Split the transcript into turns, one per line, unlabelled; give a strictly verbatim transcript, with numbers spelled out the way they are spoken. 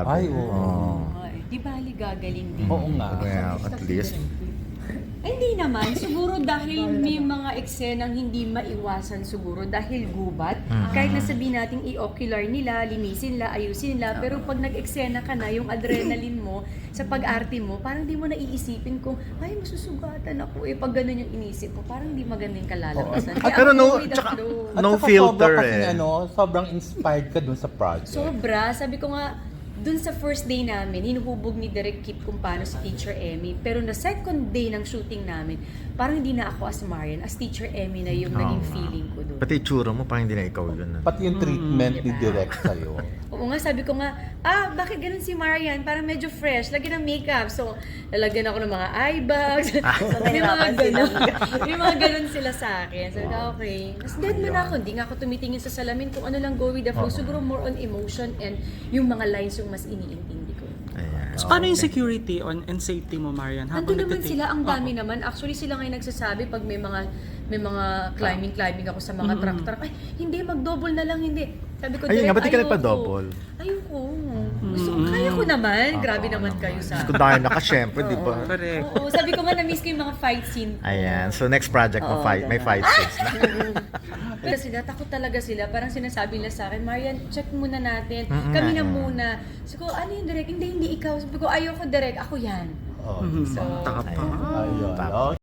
grabe.
Ay, oo.
Oo.
Ay, di bali gagaling din.
Oo nga.
Well, at least.
Ay, hindi naman. Siguro dahil may mga eksenang hindi maiwasan siguro dahil gubat.
Mhm.
Kahit na sabihin natin i-ocular nila, linisin nila, ayusin nila. Pero pag nag-eksena ka na, yung adrenaline mo sa pag-arte mo, parang di mo naiisipin kung, ay, masusugatan ako eh. Pag ganun yung inisip mo, parang hindi maganda yung kalalabasan.
Ah, pero
ako
no,
go with the
tsaka-
flow.
At
No
saka
filter
sobra kasing
eh.
ano, sobrang inspired ka dun sa project.
Sobra. Sabi ko nga, dun sa first day namin, hinuhubog ni Direk Kip kung paano si Teacher Emmy. Pero na second day ng shooting namin, parang hindi na ako as Marian, as Teacher Emmy na yung
Oo
naging
nga.
feeling ko doon.
Pati itsura mo, parang hindi na ikaw yun. ano?
Pati yung treatment ni
diba?
Direk sa'yo.
Oo nga, sabi ko nga, ah, bakit ganun si Marian? Parang medyo fresh, lagyan ng makeup. So, lalagyan ako ng mga eye bags. so, may mga ganun. may mga ganun sila sa akin. Sabi ko, okay. Tapos dead man ako, hindi nga ako tumitingin sa salamin kung ano lang go with the flow. Siguro more on emotion and yung mga lines yung mas iniintindi ko.
Ayan.
So, paano yung security on and safety mo, Marian?
Nandun naman
nagtitake?
sila, ang dami
Oo.
naman. Actually, sila ngayon nagsasabi pag may mga may mga climbing-climbing ako sa mga
Mm-mm.
truck-truck. Ay, hindi, mag-double na lang, hindi. Sabi ko,
Ayun nga,
direct,
ba't di ka
ayoko.
nagpa-double?
Ayoko. Gusto ko, kaya ko naman. Grabe naman kayo sa...
Kung dahil naka, syempre, di ba?
Correct.
Oo, sabi ko nga, na-miss ko yung mga fight scene.
Ayan. So, next project mo,
Oo,
fight, may
ganun.
fight scenes na.
Pero sila, takot talaga sila. Parang sinasabi nila sa akin, Marian, check muna natin.
Mm-mm.
Kami na muna. Sabi ko, ano yung direct? Hindi, hindi ikaw. Sabi ko, ayoko direct. Ako yan.
Oh.
Mhm.
So,
Taka pa.
Ayun.
Tama.
Okay.